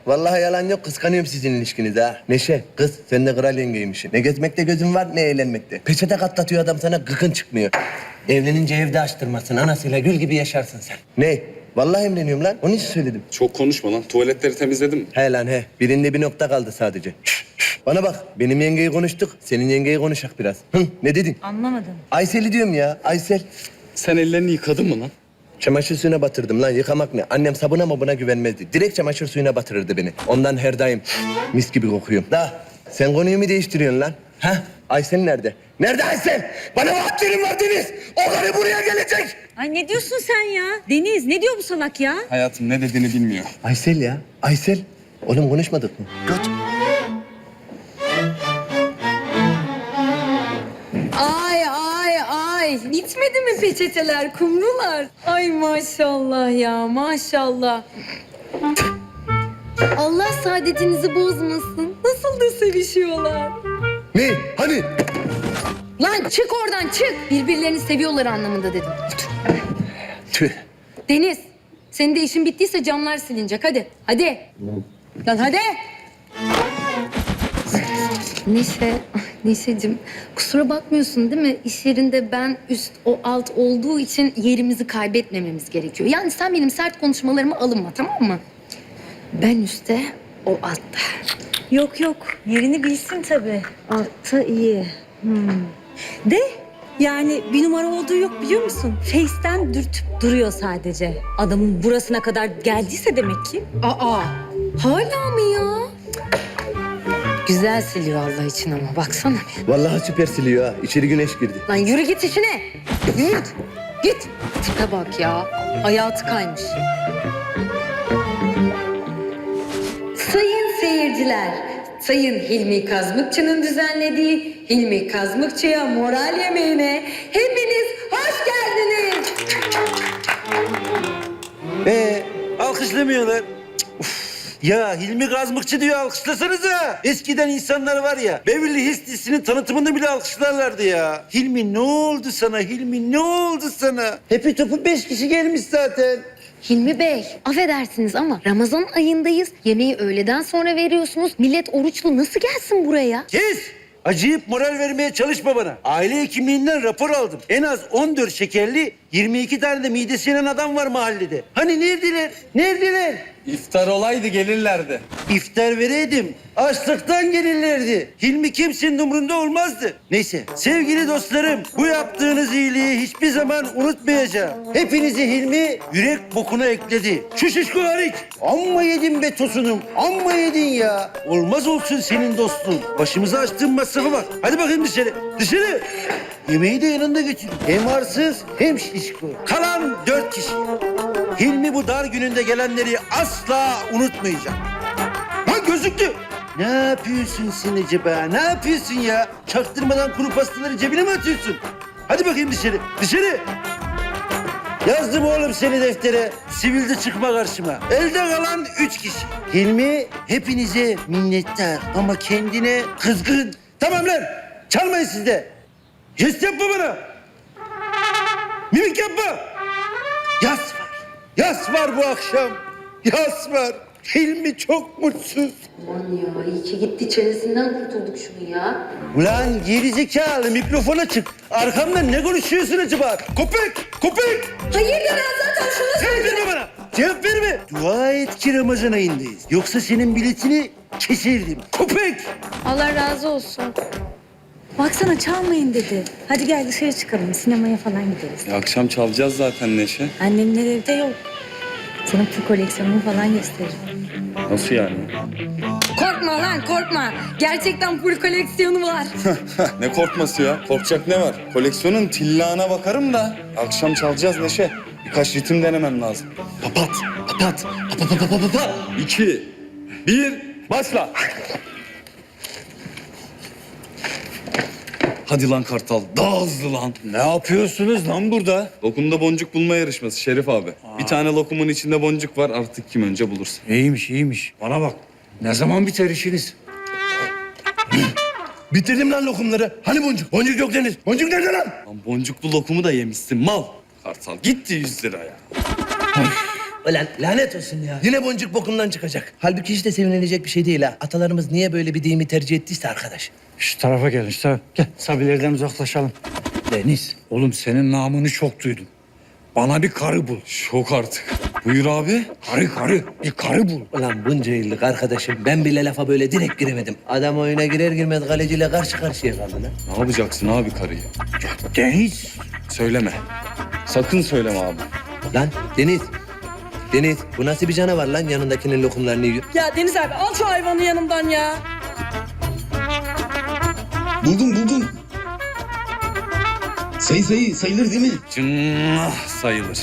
Vallahi yalan yok, kıskanıyorum sizin ilişkinizi ha. Neşe, kız sen de kral yengeymişsin. Ne gezmekte gözün var, ne eğlenmekte. Peçete katlatıyor adam sana, gıkın çıkmıyor. Evlenince evde açtırmasın, anasıyla gül gibi yaşarsın sen. Ne? Vallahi emreniyorum lan, onun için söyledim. Çok konuşma lan. Tuvaletleri temizledim. He lan he, birinde bir nokta kaldı sadece. Bana bak, benim yengeyi konuştuk, senin yengeyi konuşak biraz. Hı, ne dedin? Anlamadım. Aysel'i diyorum ya, Aysel. Sen ellerini yıkadın mı lan? Çamaşır suyuna batırdım lan, yıkamak ne? Annem sabuna mabuna güvenmezdi. Direkt çamaşır suyuna batırırdı beni. Ondan her daim mis gibi kokuyorum. Da sen konuyu mu değiştiriyorsun lan? Ha? Aysel nerede? Nerede Aysel? Bana vaatlerin var Deniz. O karı buraya gelecek. Ay ne diyorsun sen ya? Deniz ne diyor bu salak ya? Hayatım ne dediğini bilmiyor. Aysel ya, Aysel. Oğlum konuşmadık mı? Göt. Ay bitmedi mi peçeteler, kumrular? Ay maşallah ya, maşallah. Allah saadetinizi bozmasın. Nasıl da sevişiyorlar. Ne? Hani? Lan çık oradan çık. Birbirlerini seviyorlar anlamında dedim. Tüh. Deniz, senin de işin bittiyse camlar silinecek. Hadi, hadi. Lan hadi. Neşeciğim kusura bakmıyorsun değil mi? İş yerinde ben üst o alt olduğu için yerimizi kaybetmememiz gerekiyor. Yani sen benim sert konuşmalarıma alınma, tamam mı? Ben üstte, o altta. Yok yok yerini bilsin tabii. Altta iyi. De yani bir numara olduğu yok biliyor musun? Face'ten dürtüp duruyor sadece. Adamın burasına kadar geldiyse demek ki. Aa, hala mı ya? Güzel siliyor Allah için ama baksana bir. Vallahi süper siliyor ha. İçeri güneş girdi. Lan yürü git işine. Yürü git. Tipe bak ya. Hayatı kaymış. Sayın seyirciler, Sayın Hilmi Kazmıkçı'nın düzenlediği Hilmi Kazmıkçı'ya moral yemeğine hepiniz hoş geldiniz. Alkışlamıyorlar. Uf. Ya Hilmi Kazmıkçı diyor, alkışlasanıza. Eskiden insanlar var ya, Beverly Hills dizisinin tanıtımında bile alkışlarlardı ya. Hilmi ne oldu sana? Hilmi ne oldu sana? Hepi topu 5 kişi gelmiş zaten. Hilmi Bey, affedersiniz ama Ramazan ayındayız. Yemeği öğleden sonra veriyorsunuz. Millet oruçlu nasıl gelsin buraya? Kes! Acıyıp moral vermeye çalışma bana. Aile hekimliğinden rapor aldım. En az 14 şekerli, 22 tane de midesi yanan adam var mahallede. Hani neredeler? Neredeler? İftar olaydı gelirlerdi. İftar vereydim. Açlıktan gelirlerdi. Hilmi kimsenin umrunda olmazdı. Neyse sevgili dostlarım, bu yaptığınız iyiliği hiçbir zaman unutmayacağım. Hepinizi Hilmi yürek bokuna ekledi. Şu şişko hariç. Amma yedin be tosunum. Amma yedin ya. Olmaz olsun senin dostluğun. Başımıza açtığın masrafa bak. Hadi bakayım dışarı. Dışarı. Yemeği de yanında götür. Hem arsız hem şişko. Kalan 4 kişi. Hilmi bu dar gününde gelenleri asla unutmayacak. Ha gözüktü. Ne yapıyorsun sen acaba? Ne yapıyorsun ya? Çaktırmadan kuru pastaları cebine mi atıyorsun? Hadi bakayım dışarı. Dışarı. Yazdım oğlum seni deftere. Sivilde çıkma karşıma. Elde kalan 3 kişi. Hilmi hepinize minnettar ama kendine kızgın. Tamam lan. Çalmayın siz de. Jest yapma bana. Mimik yapma. Yas var. Yas var bu akşam. Yas var. Hilmi çok mutsuz. Aman ya iyi ki gitti çenesinden kurtulduk şunu ya. Ulan gerizekalı mikrofona çık. Arkamdan ne konuşuyorsun acaba? Köpek! Köpek! Hayırdır ben zaten şunu Cevap verme bana! Cevap verme! Dua et ki Ramazan ayındayız. Yoksa senin biletini keserdim. Köpek! Allah razı olsun. Baksana çalmayın dedi. Hadi gel dışarı çıkalım sinemaya falan gideriz. Akşam çalacağız zaten Neşe. Annemler evde yok. Sana bu koleksiyonumu falan gösteririm. Nasıl yani? Korkma lan korkma. Gerçekten full koleksiyonu var. Ne korkması ya? Korkacak ne var? Koleksiyonun tillağına bakarım da. Akşam çalacağız Neşe. Birkaç ritim denemem lazım. Papat! Papat! Papat! 2, 1, başla. Hadi lan Kartal, daha hızlı lan. Ne yapıyorsunuz lan burada? Lokumda boncuk bulma yarışması Şerif abi. Bir tane lokumun içinde boncuk var, artık kim önce bulursa. İyiymiş, iyiymiş. Bana bak. Ne zaman biter işiniz? Bitirdim lan lokumları. Hani boncuk? Boncuk yok Deniz. Boncuk nerede lan? Lan boncuklu lokumu da yemişsin mal. Kartal gitti 100 lira ya. Ulan lanet olsun ya. Yine boncuk bokundan çıkacak. Halbuki hiç de sevinilecek bir şey değil ha. Atalarımız niye böyle bir deyimi tercih ettiyse arkadaş. Şu tarafa gelin, şu tarafa. Gel, Sabilerden uzaklaşalım. Deniz, oğlum senin namını çok duydum. Bana bir karı bul. Şok artık. Buyur abi. Karı, bir karı bul. Ulan bunca yıllık arkadaşım ben bile lafa böyle direkt giremedim. Adam oyuna girer girmez kaleciyle karşı karşıya kaldı lan. Ne yapacaksın abi karıyı? Deniz, Söyleme. Sakın söyleme abi. Lan Deniz. Deniz bu nasıl bir canavar lan yanındakinin lokumlarını yiyor. Ya Deniz abi al şu hayvanı yanımdan ya. Buldum. Sayılır değil mi? Cınnah sayılır.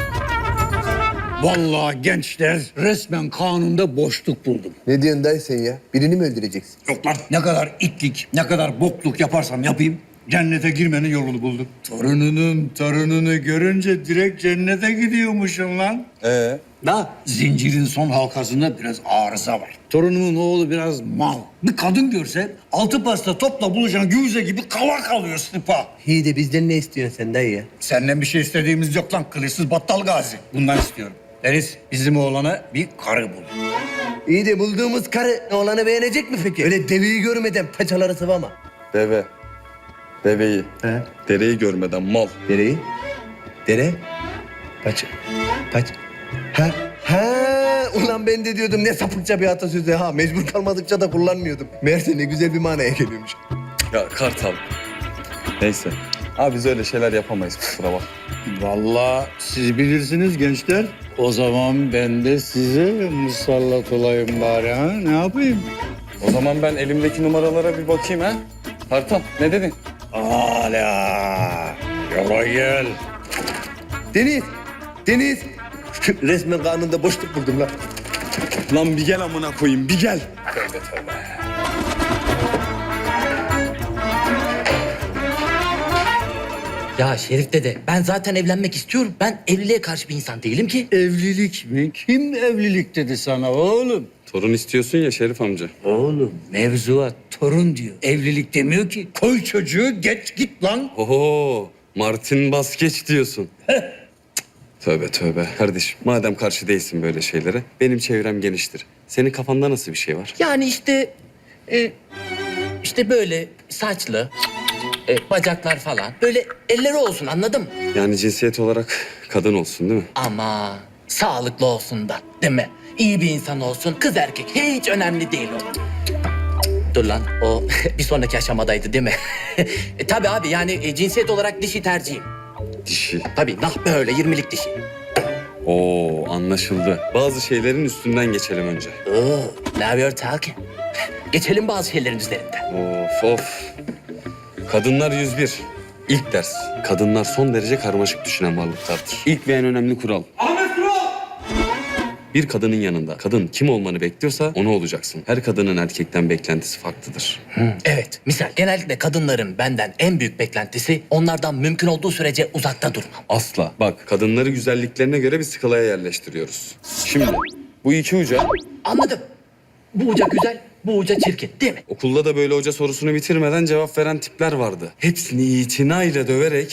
vallahi gençler resmen kanunda boşluk buldum. Ne diyorsun dayı sen ya? Birini mi öldüreceksin? Yok lan, ne kadar itlik, ne kadar bokluk yaparsam yapayım, cennete girmenin yolunu buldum. Torununu görünce direkt cennete gidiyormuşum lan. Da zincirin son halkasında biraz arıza var. Torunumun oğlu biraz mal. Bir kadın görse altı pasta topla buluşan güvize gibi kala kalıyor sıpa. İyi de bizden ne istiyorsun sen dayı ya? Senden bir şey istediğimiz yok lan, kılıçsız battal gazi. Bundan istiyorum. Deniz, bizim oğlana bir karı bul. İyi de bulduğumuz karı oğlanı beğenecek mi peki? Öyle deveyi görmeden paçaları sıvama. Deveyi. He? Dereyi görmeden mal. Dereyi? Dere? Paça. Ha, ulan ben de diyordum ne sapıkça bir atasözü ha. Mecbur kalmadıkça da kullanmıyordum. Meğerse ne güzel bir manaya geliyormuş. Ya Kartal. Neyse. Abi biz öyle şeyler yapamayız kusura bak. Vallahi siz bilirsiniz gençler. O zaman ben de size musallat olayım bari ha. Ne yapayım? O zaman ben elimdeki numaralara bir bakayım ha. Kartal ne dedin? Hala. Yola gel. Deniz. Resmen kanunda boşluk buldum lan. Lan bir gel amına koyayım bir gel. Ya Şerif dede, ben zaten evlenmek istiyorum. Ben evliliğe karşı bir insan değilim ki. Evlilik mi? Kim evlilik dedi sana oğlum? Torun istiyorsun ya Şerif amca. Oğlum mevzuat torun diyor. Evlilik demiyor ki. Koy çocuğu geç git lan. Oho Martin Baskeç diyorsun. Tövbe tövbe. Kardeşim madem karşı değilsin böyle şeylere benim çevrem geniştir. Senin kafanda nasıl bir şey var? Yani işte böyle saçlı, bacaklar falan. Böyle elleri olsun, anladın mı? Yani cinsiyet olarak kadın olsun değil mi? Ama sağlıklı olsun da, değil mi? İyi bir insan olsun, kız erkek hiç önemli değil o. Dur lan, o bir sonraki aşamadaydı değil mi? Tabii abi, yani cinsiyet olarak dişi tercihim. Dişi. Tabii nah böyle 20'lik dişi. Oo anlaşıldı. Bazı şeylerin üstünden geçelim önce. Now you're talking. Geçelim bazı şeylerin üzerinden. Of. Kadınlar 101. İlk ders. Kadınlar son derece karmaşık düşünen varlıklardır. İlk ve en önemli kural. Ahmet Kural! Bir kadının yanında kadın kim olmanı bekliyorsa onu olacaksın. Her kadının erkekten beklentisi farklıdır. Evet, misal genellikle kadınların benden en büyük beklentisi onlardan mümkün olduğu sürece uzakta durmam. Asla. Bak kadınları güzelliklerine göre bir skalaya yerleştiriyoruz. Şimdi bu iki uca Anladım. Bu uca güzel, bu uca çirkin değil mi? okulda da böyle hoca sorusunu bitirmeden cevap veren tipler vardı. Hepsini itinayla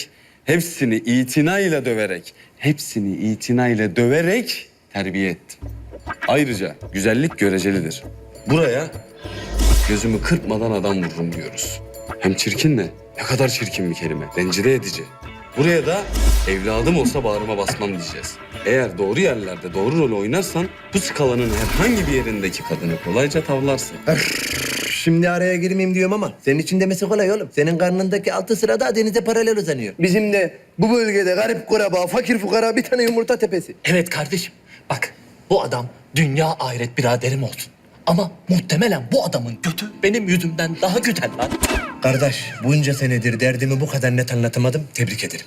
döverek terbiye ettim. Ayrıca güzellik görecelidir. Buraya gözümü kırpmadan adam vururum diyoruz. Hem çirkin ne kadar çirkin bir kelime. Rencide edici. Buraya da evladım olsa bağrıma basmam diyeceğiz. Eğer doğru yerlerde doğru rol oynarsan bu skalanın herhangi bir yerindeki kadını kolayca tavlarsın. Şimdi araya girmeyeyim diyorum ama senin için demesi kolay oğlum. Senin karnındaki 6 sırada denize paralel uzanıyor. Bizim de bu bölgede garip kuraba, fakir fukara bir tane yumurta tepesi. Evet kardeşim, bak bu adam dünya ahiret biraderim olsun. Ama muhtemelen bu adamın götü benim yüzümden daha güzel lan. Kardeş bunca senedir derdimi bu kadar net anlatamadım. Tebrik ederim.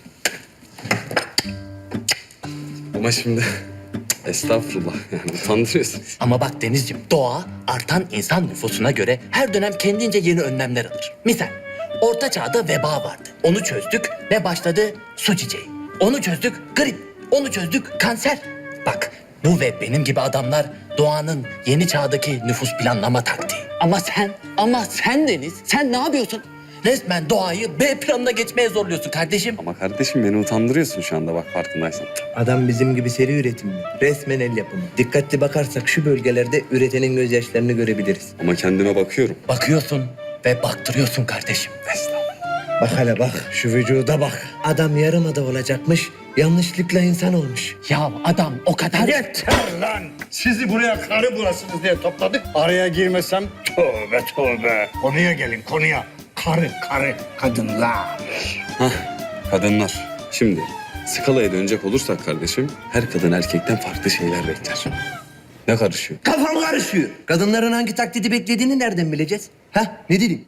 Ama şimdi estağfurullah yani utandırıyorsun. Ama bak Denizciğim, doğa artan insan nüfusuna göre her dönem kendince yeni önlemler alır. Misal, Orta Çağ'da veba vardı. Onu çözdük, ne başladı? Su çiçeği. Onu çözdük, grip. Onu çözdük, kanser. Bak, bu ve benim gibi adamlar doğanın yeni çağdaki nüfus planlama taktiği. Ama sen Deniz, sen ne yapıyorsun? Resmen doğayı B planına geçmeye zorluyorsun kardeşim. Ama kardeşim beni utandırıyorsun şu anda bak farkındaysan. Adam bizim gibi seri üretimli. Resmen el yapımı. Dikkatli bakarsak şu bölgelerde üretenin gözyaşlarını görebiliriz. Ama kendime bakıyorum. Bakıyorsun ve baktırıyorsun kardeşim. Bak hele bak, şu vücuda bak. Adam yarımada olacakmış, yanlışlıkla insan olmuş. Ya adam o kadar... Yeter lan! Sizi buraya karı bulasınız diye topladık. Araya girmesem tövbe tövbe. Konuya gelin konuya. Karı, kadınlar. Kadınlar. Şimdi skalaya dönecek olursak kardeşim her kadın erkekten farklı şeyler bekler. Ne karışıyor? Kafam karışıyor. Kadınların hangi taklidi beklediğini nereden bileceğiz? Ha, ne dedim?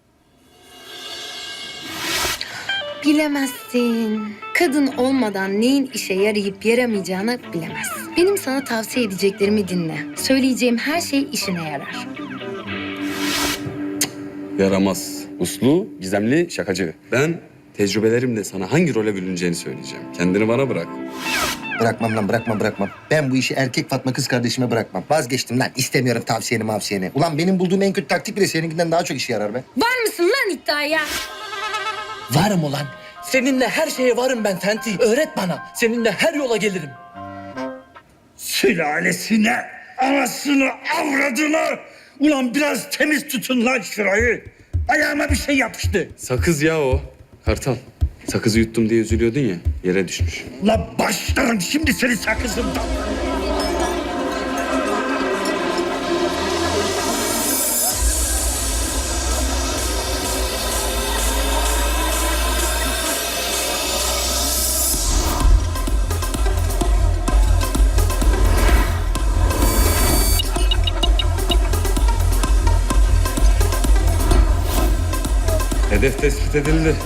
Bilemezsin. Kadın olmadan neyin işe yarayıp yaramayacağını bilemezsin. Benim sana tavsiye edeceklerimi dinle. Söyleyeceğim her şey işine yarar. Yaramaz. Uslu, gizemli, şakacı. Ben tecrübelerimle sana hangi role bürüneceğini söyleyeceğim. Kendini bana bırak. Bırakmam lan bırakmam. Ben bu işi erkek Fatma kız kardeşime bırakmam. Vazgeçtim lan. İstemiyorum tavsiyeni. Ulan benim bulduğum en kötü taktik bile seninkinden daha çok işe yarar be. Var mısın lan iddiaya? Varım ulan. Seninle her şeye varım ben Fenty. Öğret bana. Seninle her yola gelirim. Sülalesine, anasını, avradını. Ulan biraz temiz tutun lan şurayı. Ayağıma bir şey yapıştı. Sakız ya o. Kartal. Sakızı yuttum diye üzülüyordun ya. Yere düşmüş. La başlarım şimdi seni sakızımdan. Hedef tespit edildi.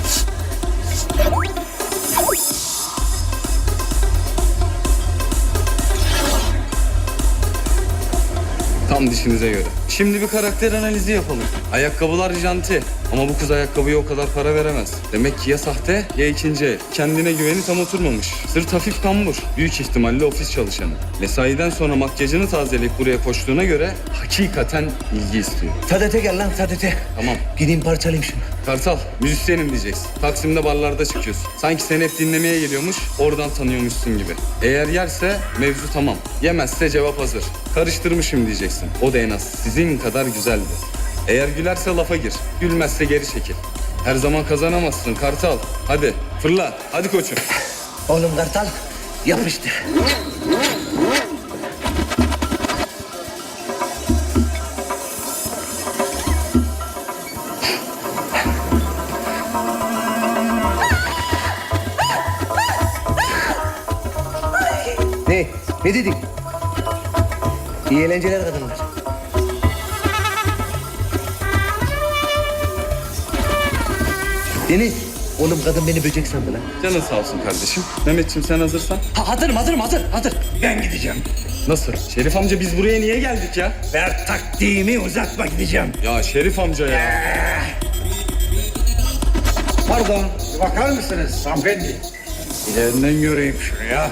Tam dişinize göre. Şimdi bir karakter analizi yapalım. Ayakkabılar janti. Ama bu kız ayakkabıya o kadar para veremez. Demek ki ya sahte ya ikinci el. Kendine güveni tam oturmamış. Sırt hafif kambur. Büyük ihtimalle ofis çalışanı. Mesaiden sonra makyajını tazeleyip buraya koştuğuna göre hakikaten ilgi istiyor. Sadete gel lan, Sadete. Tamam. Gideyim parçalayayım şunu. Kartal, müzisyenim diyeceksin. Taksim'de barlarda çıkıyorsun. Sanki seni hep dinlemeye geliyormuş, oradan tanıyormuşsun gibi. Eğer yerse mevzu tamam. Yemezse cevap hazır. Karıştırmışım diyeceksin. O da en az sizin kadar güzeldi. Eğer gülerse lafa gir, gülmezse geri çekil. Her zaman kazanamazsın Kartal. Hadi fırla, hadi koçum. Oğlum Kartal, yapıştı. Ne? Ne dedik? İyi eğlenceler kadınlar. Deniz, oğlum kadın beni böcek sandı lan. Canın sağ olsun kardeşim. Mehmetciğim sen hazırsan. Hazır. Ben gideceğim. Nasıl? Şerif amca biz buraya niye geldik ya? Ver taktiğimi uzatma gideceğim. Ya Şerif amca ya. Pardon, bir bakar mısınız hanımefendi? İlerinden göreyim şunu ya.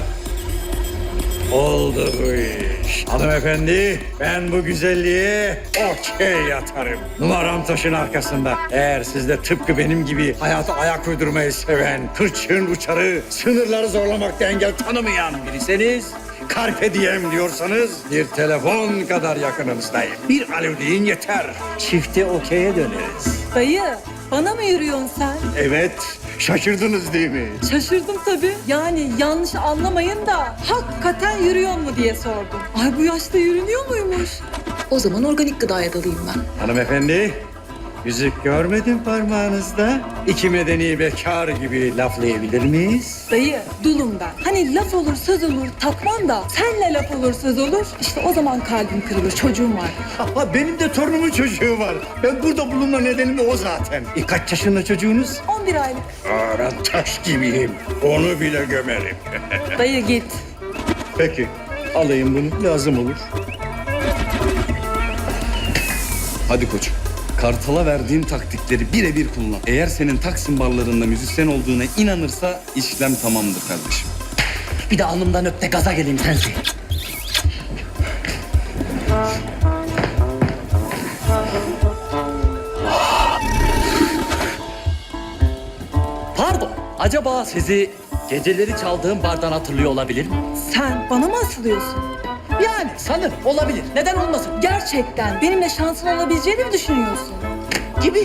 Oldu bu iş. Hanımefendi, ben bu güzelliğe okey yatarım. Numaram taşın arkasında. Eğer siz de tıpkı benim gibi hayata ayak uydurmayı seven, hırçın uçarı, sınırları zorlamakta engel tanımayan biriseniz... Carpe diem diyorsanız bir telefon kadar yakınınızdayım. Bir alo deyin yeter. Çifte okey'e döneriz. Dayı bana mı yürüyorsun sen? Evet, şaşırdınız değil mi? Şaşırdım tabii. Yani yanlış anlamayın da hakikaten yürüyor mu diye sordum. Ay bu yaşta yürünüyor muymuş? O zaman organik gıdaya dalayım ben. Hanımefendi, yüzük görmedim parmağınızda. İki medeni bekar gibi laflayabilir miyiz? Dayı dulum ben. Hani laf olur söz olur takmam da senle laf olur söz olur. İşte o zaman kalbim kırılır, çocuğum var. Ama benim de torunumun çocuğu var. Ben burada bulunma nedenim de o zaten. Kaç yaşında çocuğunuz? 11 aylık. Ben taş gibiyim. Onu bile gömerim. Dayı git. Peki, alayım bunu. Lazım olur. Hadi koçum. Kartal'a verdiğim taktikleri birebir kullan. Eğer senin Taksim barlarında müzisyen olduğuna inanırsa işlem tamamdır kardeşim. Bir de alnımdan öp de gaza geleyim Fenty. Pardon, acaba sizi geceleri çaldığım bardan hatırlıyor olabilir mi? Sen bana mı asılıyorsun? Yani sanırım olabilir. Neden olmasın? Gerçekten benimle şansın olabileceğini mi düşünüyorsun? Gibi.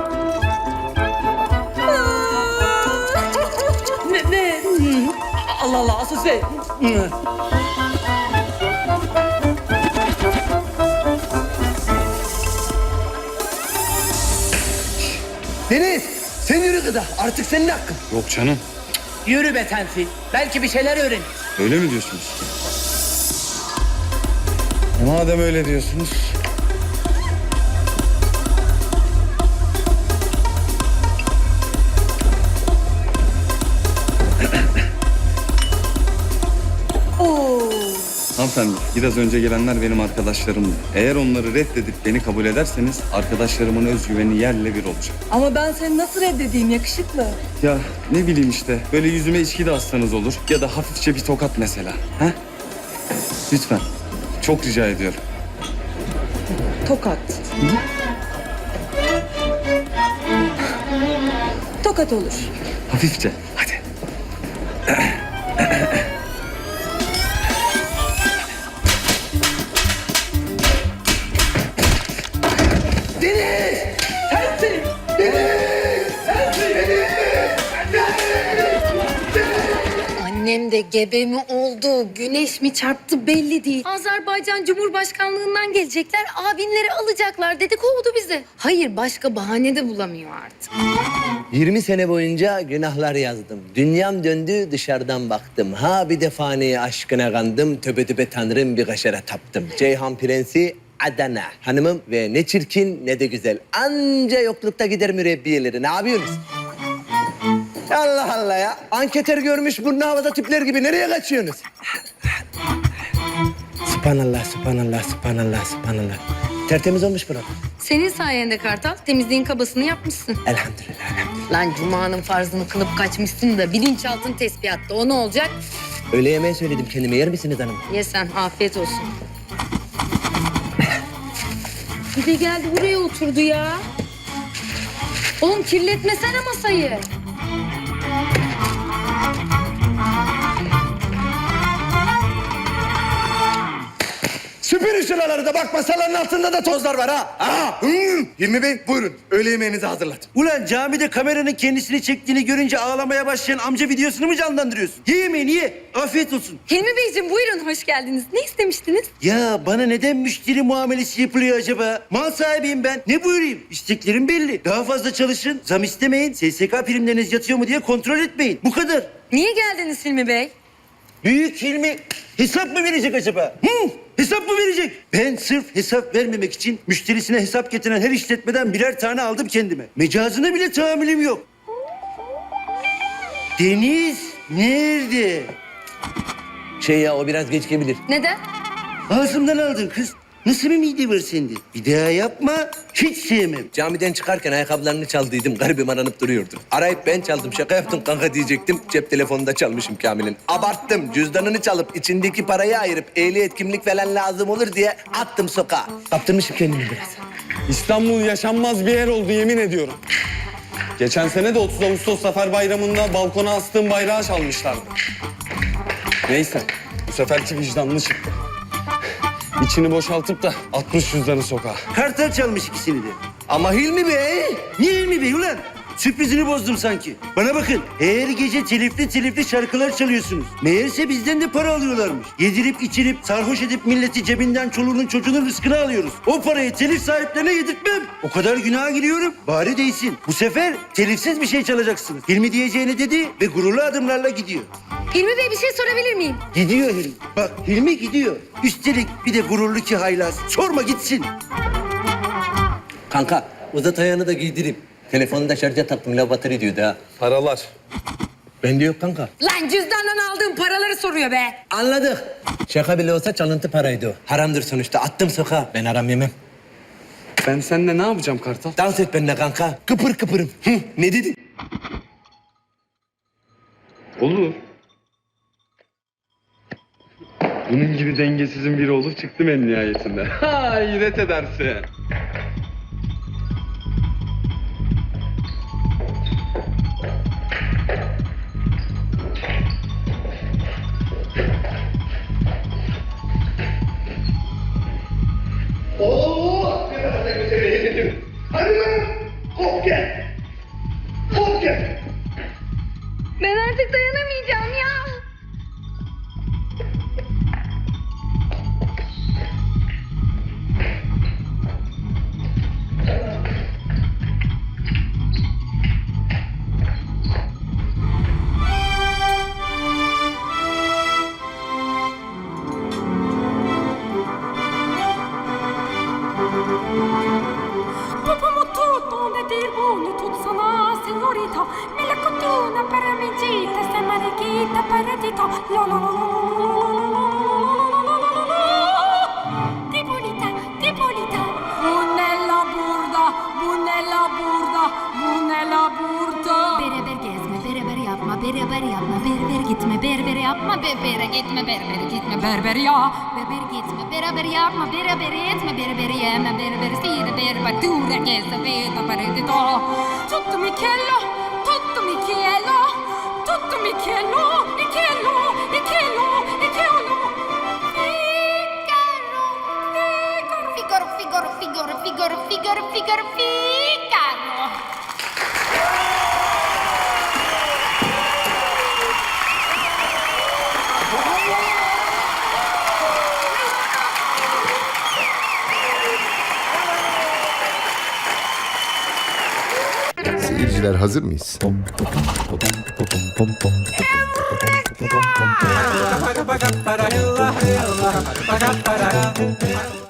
Ne? Allah Allah, asıl şey... Deniz, sen yürü kıza. Artık senin hakkın. Yok canım. Yürü be sensin. Belki bir şeyler öğrenir. Öyle mi diyorsunuz? Madem öyle diyorsunuz. Hanımefendi, biraz önce gelenler benim arkadaşlarımdı. Eğer onları reddedip beni kabul ederseniz arkadaşlarımın özgüveni yerle bir olacak. Ama ben seni nasıl reddedeyim yakışıklı? Ya ne bileyim işte, böyle yüzüme içki de atsanız olur ya da hafifçe bir tokat mesela. Ha? Lütfen. Çok rica ediyorum. Tokat. Tokat olur. Hafifçe. Hadi. Annem de gebe mi oldu, güneş mi çarptı belli değil. Azerbaycan Cumhurbaşkanlığından gelecekler, abinleri alacaklar dedi, kovdu bizi. Hayır, başka bahane de bulamıyor artık. 20 sene boyunca günahlar yazdım. Dünyam döndü, dışarıdan baktım. Ha bir de fani aşkına kandım. Töbe töbe tanrım bir kaşara taptım. Ceyhan Prensi Adana hanımım ve ne çirkin ne de güzel. Anca yoklukta gider mürebbiyeleri. Ne yapıyorsunuz? Allah Allah ya. Anketer görmüş burnu havada tipler gibi. Nereye kaçıyorsunuz? Sübhanallah, sübhanallah, sübhanallah, sübhanallah. Tertemiz olmuş burası. Senin sayende Kartal, temizliğin kabasını yapmışsın. Elhamdülillah, elhamdülillah. Lan Cuma'nın farzını kılıp kaçmışsın da bilinçaltın tespihatta, o ne olacak? Öğle yemeği söyledim kendime. Yer misiniz hanım? Ye sen, afiyet olsun. Bir de geldi buraya oturdu ya. Oğlum kirletmesene masayı. Süpürün şuraları da bak masaların altında da tozlar var ha. Aha. Hilmi Bey buyurun. Öğle yemeğinizi hazırladım. Ulan camide kameranın kendisini çektiğini görünce ağlamaya başlayan amca videosunu mu canlandırıyorsun? Ye yemeğini ye. Afiyet olsun. Hilmi Beyciğim buyurun, hoş geldiniz. Ne istemiştiniz? Ya bana neden müşteri muamelesi yapılıyor acaba? Mal sahibiyim ben. Ne buyurayım? İsteklerim belli. Daha fazla çalışın, zam istemeyin, SSK primleriniz yatıyor mu diye kontrol etmeyin. Bu kadar. Niye geldiniz Hilmi Bey? Büyük Hilmi hesap mı verecek acaba? Hesap mı verecek? Ben sırf hesap vermemek için müşterisine hesap getiren her işletmeden birer tane aldım kendime. Mecazına bile tahammülüm yok. Deniz nerede? Şey ya o biraz geç gelebilir. Neden? Ağzımdan aldın kız. Nasıl bir mide var sende? Bir daha yapma. Hiç sevmem. Camiden çıkarken ayakkabılarını çaldıydım. Garibim aranıp duruyordu. Arayıp ben çaldım. Şaka yaptım kanka diyecektim. Cep telefonunda çalmışım Kamil'in. Abarttım. Cüzdanını çalıp içindeki parayı ayırıp ehliyet kimlik falan lazım olur diye attım sokağa. Kaptırmışım kendimi biraz. İstanbul yaşanmaz bir yer oldu yemin ediyorum. Geçen sene de 30 Ağustos Zafer Bayramı'nda balkona astığım bayrağı çalmışlardı. Neyse, bu seferki vicdanlı çıktı. İçini boşaltıp da 60 cüzdanı sokağa. Kartal çalmış ikisini de. Ama Hilmi Bey... Niye Hilmi Bey ulan? Sürprizini bozdum sanki. Bana bakın, her gece telifli şarkılar çalıyorsunuz. Meğerse bizden de para alıyorlarmış. Yedirip içirip, sarhoş edip milleti cebinden çoluğunun çocuğunun rızkını alıyoruz. O parayı telif sahiplerine yedirtmem. O kadar günaha giriyorum. Bari değsin. Bu sefer telifsiz bir şey çalacaksınız. Hilmi diyeceğini dedi ve gururlu adımlarla gidiyor. Hilmi Bey bir şey sorabilir miyim? Gidiyor Hilmi. Bak Hilmi gidiyor. Üstelik bir de gururlu ki haylaz. Sorma gitsin. Kanka uzat ayağını da giydireyim. Telefonu da şarja taktım. Lavatır diyordu ha. Paralar. Bende yok kanka. Lan cüzdandan aldığım paraları soruyor be. Anladık. Şaka bile olsa çalıntı paraydı o. Haramdır sonuçta. Attım sokağa. Ben haram yemem. Ben seninle ne yapacağım Kartal? Dans et benimle kanka. Kıpır kıpırım. Ne dedin? Olur. Bunun gibi dengesizin biri olur çıktım en nihayetinde. Hayret edersin. Artık dayanamayacağım ya. Dopo tutto ne dirbo tutto sana signorita me la cotuna per amicita se marichita paradito lo lo lo Tipolita Tipolita Bunella burda Bunella burda Bunella burda Beraber gezme, beraber yapma, beraber yapma, berber gitme, berber yapma, berbere gitme, berber gitme, berber ya. Berber gitme, beraber yapma, beraber etme, berber yeme, berber sire, berber tura, gesa, veta, paredito. Tutto Michello Tutto Michello Tutto Michello Michello Michello Michello Figaro, Figaro, Figaro, Figaro, Figaro, Figaro, Figaro. Seyirciler hazır mıyız?